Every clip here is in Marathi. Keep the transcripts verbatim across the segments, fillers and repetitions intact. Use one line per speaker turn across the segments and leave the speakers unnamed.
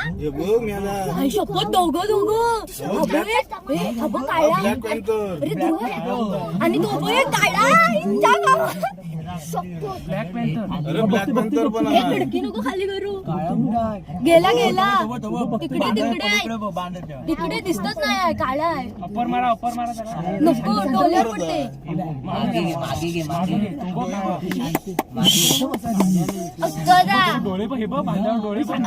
हे बघ मेला.
आई शपथ दोघं दोघं अबो काळा
ब्लॅक पॅन्थर.
अरे दोघं आणि तो पण काळा
ब्लॅक पॅन्थर.
अरे ब्लॅक पॅन्थर पण
हे
आहे.
खिडकी नको खाली करू. गेला गेला तिकडे तिकडे आहे. तिकडे दिसतच नाही आहे काळा आहे.
अप्पर मारा अप्पर मारा त्याला.
नको डोले पडते. अगदा
डोळे पण हे बघ बांधावर डोळे पण.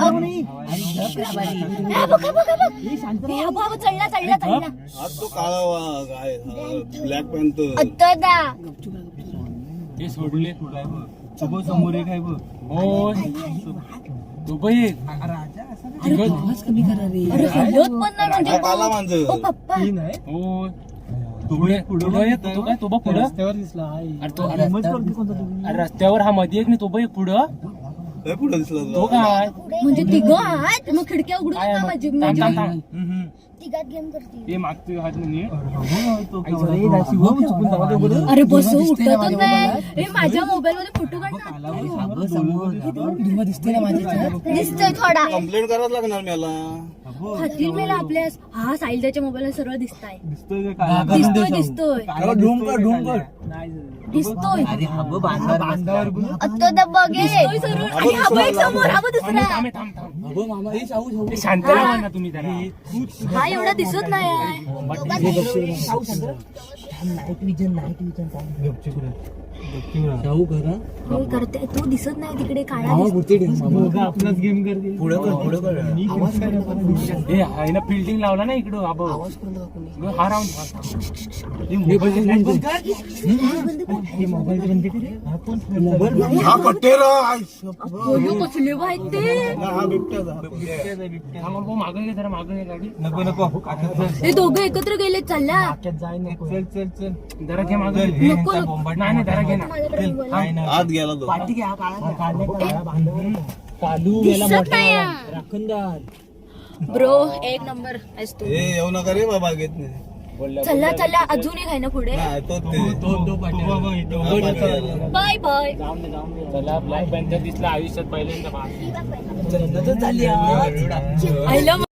हा बघ बघ बघ हे बाबा चढला चढला चढला
आज तो काळा वाघ आहे. Black panther.
अगदा
हे सोडले तुझं समोर एक आहे बघ. हो तू पण एक.
अरे हलत पण नाही म्हणजे
हा काला मांजर.
ओ पप्पा
हो पुढे पुढे एक तो काय तो बघ पुढं रस्त्यावर दिसला. अरे तो अरे रस्त्यावर हा मध्ये एक नाही तो बघ एक पुढं.
हे पुढे दिसला
तो
तुला.
काय
म्हणजे तिघं आहेत मग खिडक्या उघडून
काय
का माझी
थांब थांब थांब.
तिघात गेम करते.
हे मागतोय हात नाही.
अरे बस उठतच नाही. हे माझ्या मोबाईल मध्ये फोटो काढ. दिसतोय थोडा
कंप्लेंट करावं लागणार मला.
खातील मेला आपल्या हा साहिलच्या मोबाईल सरळ दिसताय.
दिसतोय
दिसतोय दिसतोय दिसतोय आता तर बघे दिसतोय सरळ. आणि हा बघ एक समोर हा बघ दुसरा.
थांब थांब थांब. हे शांत राहा ना तुम्ही जरा.
हा एवढा दिसत नाही आहे. होय, करते तो दिसत नाही तिकडे काळा दिसतो.
आपलाच गेम करते. पुढे हे आहे ना फिल्डिंग लावला ना इकडं आपण हा राऊंड.
हा कट्टेरा.
अयो, कसले आहेत ते.
हा बिबट्याचा.
मागं घे जरा मागं घे गाडी.
नको नको.
हे दोघं एकत्र गेले चला.
चल चल चल जरा घे मागं.
नको नको.
नाही नाही जरा घे ना.
माझ्याकडे मोबाईल आहे.
आत गेला तो.
दिसत नाही ब्रो एक नंबर आहेस तू.
हे येऊ नका रे बाबा घेत नाही.
चला चला अजून एक आहे ना पुढे.
नाही तो ते.
Bye bye.
चला ब्लॅक पॅन्थर दिसला आयुष्यात पहिल्यांदा.
I love